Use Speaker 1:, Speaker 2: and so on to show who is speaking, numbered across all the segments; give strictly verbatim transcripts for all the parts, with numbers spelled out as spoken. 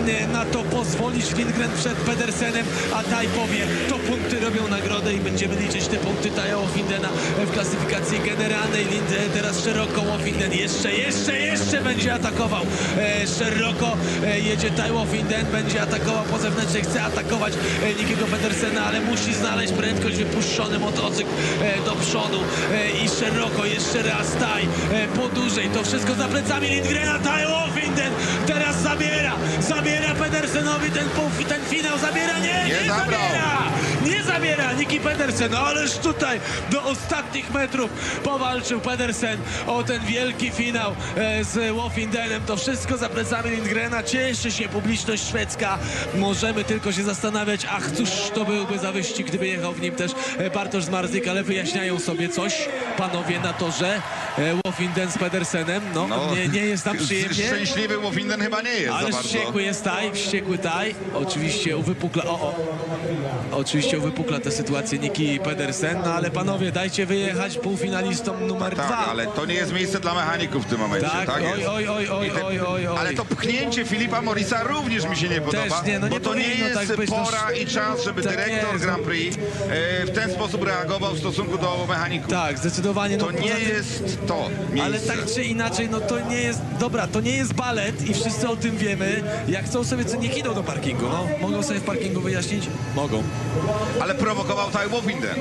Speaker 1: e, na to pozwolić. Lindgren przed Pedersenem, a Taj powie, to punkty robią nagrodę i będziemy liczyć te punkty Taja Wofindena w klasyfikacji generalnej. Lindgren teraz szeroko, Wofinden jeszcze, jeszcze, jeszcze będzie atakował. E, szeroko e, jedzie Taj Wofinden, będzie atakował po zewnętrznej, chce atakować e, Nickiego Pedersena, ale musi znaleźć prędkość, wypuszczony motocykl e, do przodu e, i szeroko, jeszcze raz Taj e, po dłużej, to wszystko za plecami Lindgrena. Taj Wofinden teraz zabiera, zabiera Pedersenowi ten, pół, ten finał, zabiera, nie, nie, nie zabiera, nie zabiera Nicky Pedersen, no ależ tutaj do ostatnich metrów powalczył Pedersen o ten wielki finał e, z Wofindenem, to wszystko za plecami Lindgrena, cieszy się publiczność szwedzka, możemy tylko się zastanawiać, ach cóż to byłby za wyścig, gdyby jechał w nim też e, Bartosz Zmarzlik, ale wyjaśniają sobie coś panowie na torze, e, Wofinden z Pedersenem, no,
Speaker 2: No,
Speaker 1: nie, nie jest tam przyjemnie.
Speaker 2: Szczęśliwy Wofinden chyba nie jest
Speaker 1: Ale
Speaker 2: za bardzo.
Speaker 1: wściekły jest Taj, wściekły Taj. Oczywiście uwypukla, o, o. Oczywiście uwypukla tę sytuację Nicky Pedersen, no ale panowie, dajcie wyjechać półfinalistom numer
Speaker 2: Tak,
Speaker 1: dwa.
Speaker 2: ale to nie jest miejsce dla mechaników w tym momencie.
Speaker 1: Tak,
Speaker 2: Tak,
Speaker 1: oj,
Speaker 2: jest.
Speaker 1: oj, oj, oj,
Speaker 2: I te-
Speaker 1: oj, oj, oj.
Speaker 2: Ale to pchnięcie Filipa Morrisa również mi się nie podoba,
Speaker 1: nie, no nie
Speaker 2: bo to nie
Speaker 1: powinno
Speaker 2: jest
Speaker 1: tak być, no
Speaker 2: pora i czas, żeby
Speaker 1: tak
Speaker 2: dyrektor
Speaker 1: jest.
Speaker 2: Grand Prix e, w ten sposób reagował w stosunku do mechaników.
Speaker 1: Tak, zdecydowanie. No,
Speaker 2: To nie
Speaker 1: poza tym-
Speaker 2: jest to miejsce.
Speaker 1: Ale tak czy inaczej, no to nie jest, dobra, to nie jest balet i wszyscy o tym wiemy. Jak chcą sobie, co niech idą do parkingu, no. Mogą sobie w parkingu wyjaśnić? Mogą.
Speaker 2: Ale prowokował Taj Wofinden.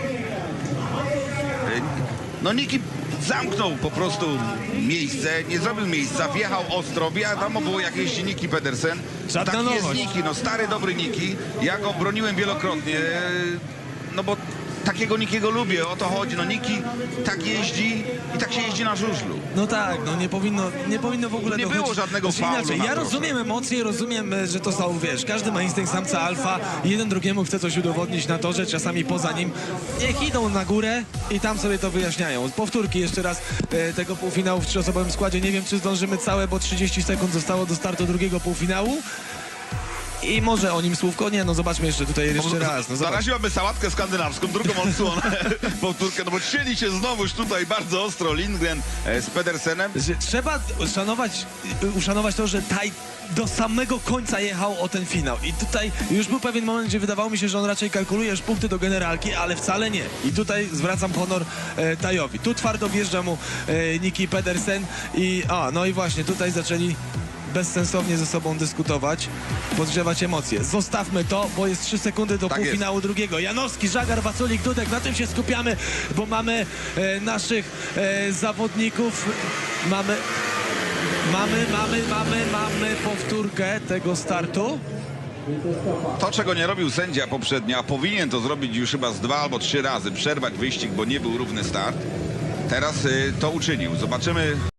Speaker 2: No Nicky zamknął po prostu miejsce, nie zrobił miejsca, wjechał ostro, wiadomo było jak jeździ Nicky Pedersen.
Speaker 1: Żadna
Speaker 2: Taki jest
Speaker 1: nowość.
Speaker 2: Nicky, no stary, dobry Nicky. Ja go broniłem wielokrotnie, no bo takiego Nickiego lubię, o to chodzi. No Nicky tak jeździ i tak się jeździ na żużlu.
Speaker 1: No tak, no nie powinno, nie powinno w ogóle
Speaker 2: Nie
Speaker 1: dochodzić.
Speaker 2: było żadnego
Speaker 1: Znaczy,
Speaker 2: faulu
Speaker 1: inaczej,
Speaker 2: na
Speaker 1: ja
Speaker 2: torze.
Speaker 1: rozumiem emocje, rozumiem, e, że to są, wiesz, każdy ma instynkt samca alfa, jeden drugiemu chce coś udowodnić na torze, czasami poza nim. Niech idą na górę i tam sobie to wyjaśniają. Powtórki jeszcze raz e, tego półfinału w trzyosobowym składzie. Nie wiem, czy zdążymy całe, bo trzydzieści sekund zostało do startu drugiego półfinału. I może o nim słówko? Nie, no zobaczmy jeszcze tutaj jeszcze raz. No zobacz.
Speaker 2: Zaraziłaby sałatkę skandynawską, drugą odsłonę, powtórkę, no bo cieli się znowuż tutaj bardzo ostro Lindgren e, z Pedersenem.
Speaker 1: Że trzeba uszanować, uszanować to, że Taj do samego końca jechał o ten finał. I tutaj już był pewien moment, gdzie wydawało mi się, że on raczej kalkuluje już punkty do generalki, ale wcale nie. I tutaj zwracam honor e, Tajowi. Tu twardo wjeżdża mu e, Nicky Pedersen i a, no i właśnie tutaj zaczęli bezsensownie ze sobą dyskutować, podgrzewać emocje. Zostawmy to, bo jest trzy sekundy do
Speaker 2: Tak
Speaker 1: półfinału
Speaker 2: jest.
Speaker 1: drugiego. Janowski, Żagar, Waculik, Dudek, na tym się skupiamy, bo mamy e, naszych e, zawodników. Mamy, mamy, mamy, mamy, mamy powtórkę tego startu.
Speaker 2: To, czego nie robił sędzia poprzednio, a powinien to zrobić już chyba z dwa albo trzy razy, przerwać wyścig, bo nie był równy start. Teraz y, to uczynił. Zobaczymy.